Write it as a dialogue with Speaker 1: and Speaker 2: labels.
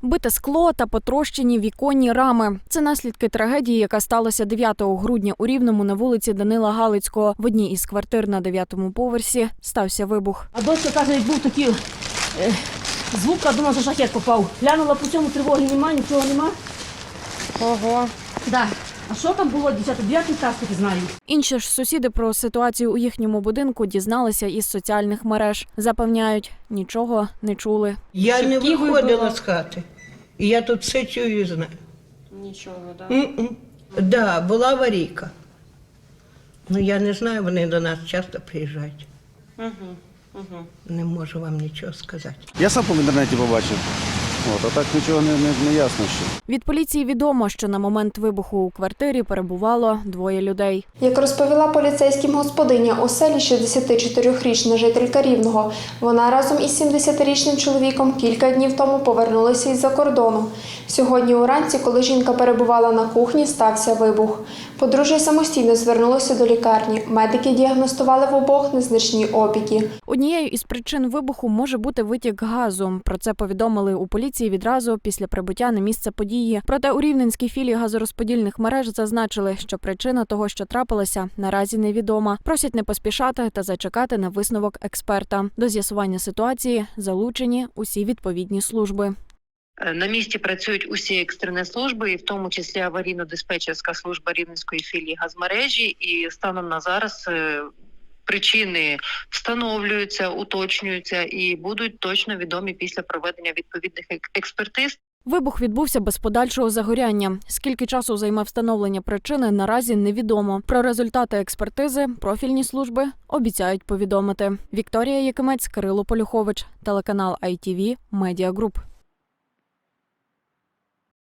Speaker 1: Бите скло та потрощені віконні рами. Це наслідки трагедії, яка сталася 9 грудня у Рівному на вулиці Данила Галицького. В одній із квартир на 9-му поверсі стався вибух.
Speaker 2: А дочка каже, був такий звук, а думала, що шахет попав. Глянула по цьому, тривоги немає, нічого нема.
Speaker 3: Ого.
Speaker 2: Да. А що там було, дівчата? 9 клас таки знаю.
Speaker 1: Інші ж сусіди про ситуацію у їхньому будинку дізналися із соціальних мереж. Запевняють, нічого не чули.
Speaker 4: Я не
Speaker 3: Шибки
Speaker 4: виходила
Speaker 3: вибило?
Speaker 4: з хати. І я тут все чую і знаю.
Speaker 3: Нічого, так?
Speaker 4: Да, була аварійка. Ну, я не знаю, вони до нас часто приїжджають. Не можу вам нічого сказати.
Speaker 5: Я сам в інтернеті побачив. А так нічого не ясно ще.
Speaker 1: Від поліції відомо, що на момент вибуху у квартирі перебувало 2 людей.
Speaker 6: Як розповіла поліцейським господиня оселі 64-річна жителька Рівного, вона разом із 70-річним чоловіком кілька днів тому повернулися із-за кордону. Сьогодні уранці, коли жінка перебувала на кухні, стався вибух. Подружжя самостійно звернулося до лікарні. Медики діагностували в обох незначні опіки.
Speaker 1: Однією із причин вибуху може бути витік газу. Про це повідомили у поліції відразу після прибуття на місце події. Проте у Рівненській філії газорозподільних мереж зазначили, що причина того, що трапилося, наразі невідома. Просять не поспішати та зачекати на висновок експерта. До з'ясування ситуації залучені усі відповідні служби.
Speaker 7: На місці працюють усі екстрені служби, і в тому числі аварійно-диспетчерська служба Рівненської філії газмережі. І станом на зараз причини встановлюються, уточнюються і будуть точно відомі після проведення відповідних експертиз.
Speaker 1: Вибух відбувся без подальшого загоряння. Скільки часу займе встановлення причини, наразі невідомо. Про результати експертизи профільні служби обіцяють повідомити. Вікторія Якимець, Кирило Полюхович, телеканал ITV Media Group.